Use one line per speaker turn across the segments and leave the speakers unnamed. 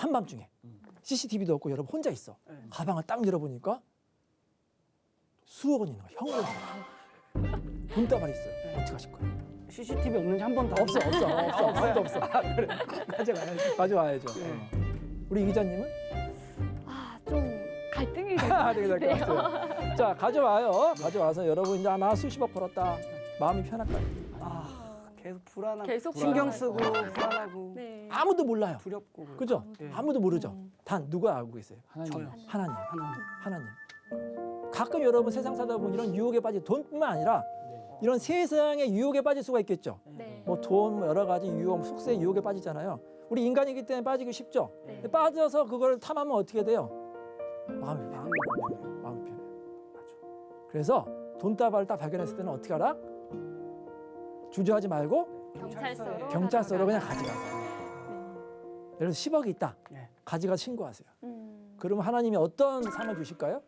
한밤중에 CCTV도 없고 여러분 혼자 있어. 가방을 딱 열어보니까 수억 원 있는 거야. 현금이. 돈다발이 있어요. 어떻게 하실 거예요?
CCTV 없는지 한 번도
없어. 아무도 없어. 그래. 가져와야죠. 우리 이 기자님은?
좀 갈등이 될 것
되게
같아요.
자, 가져와요. 가져와서 여러분 이제 나 수십억 벌었다. 마음이 편할까요?
계속 불안하고
계속
신경
불안하고.
쓰고 불안하고
네.
아무도 몰라요.
두렵고 그렇고.
그죠?
네.
아무도 모르죠. 단 누가 알고 계세요?
저요.
하나님.
하나.
하나님. 가끔 여러분 세상 살다 보면 이런 유혹에 빠지 돈뿐만 아니라 이런 세상의 유혹에 빠질 수가 있겠죠.
네.
뭐 돈, 뭐 여러 가지 유혹, 속세의 유혹에 빠지잖아요. 우리 인간이기 때문에 빠지기 쉽죠.
네.
근데 빠져서 그걸 탐하면 어떻게 돼요? 마음이 편해.
마음이 불안해요.
마음이 편해.
맞아.
그래서 돈다발을 딱 발견했을 때는 어떻게 하라? 주저하지 말고 경찰서로 그냥 가져가세요. 예를 들어 10억이 있다.
네.
가져가 신고하세요. 그러면 하나님이 어떤 상을 주실까요?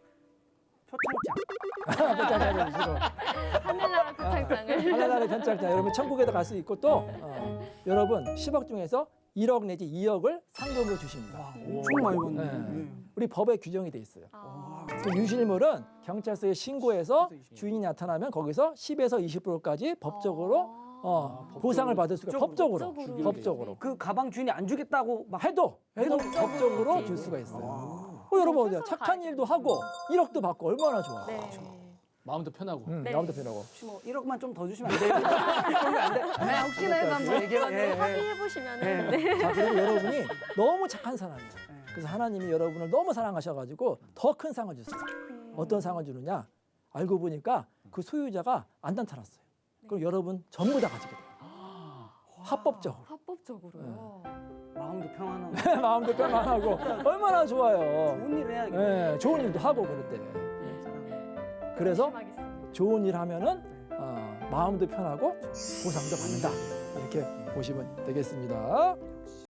표창장.
표창장을 주시고
하늘나라 표창장을.
하나나라 견찰장 여러분 천국에도 갈 수 있고 또 여러분 10억 중에서 1억 내지 2억을 상금으로 주십니다.
엄청 많이 받네.
네. 우리 법에 규정이 돼 있어요.
아.
그 유실물은 경찰서에 신고해서 주인이 나타나면 거기서 10에서 20%까지 법적으로 보상을 받을 수가 법적으로.
그 가방 주인이 안 주겠다고 막
해도 법적으로 줄 수가 있어요. 여러분 착한 일도 하고 1억도 받고 얼마나 좋아.
네.
마음도 편하고.
네.
마음도 편하고.
혹시 뭐 1억만 좀 더 주시면 안 돼요? 그러면 안 돼? 네, 혹시나 해서 한번 얘기해.
확인해 보시면은 네.
자, 그리고 여러분이 너무 착한 사람이에요. 그래서 하나님이 여러분을 너무 사랑하셔가지고 더 큰 상을 주세요. 어떤 상을 주느냐? 알고 보니까 그 소유자가 안 나타났어요. 그럼 여러분 전부 다 가지게 돼요. 합법적으로.
합법적으로요.
마음도 평안하고
마음도 편안하고 얼마나 좋아요.
좋은 일 해야겠네.
네, 좋은 일도 하고 그럴 때. 그래서
조심하겠습니다.
좋은 일 하면은 마음도 편하고 보상도 받는다. 이렇게 보시면 되겠습니다.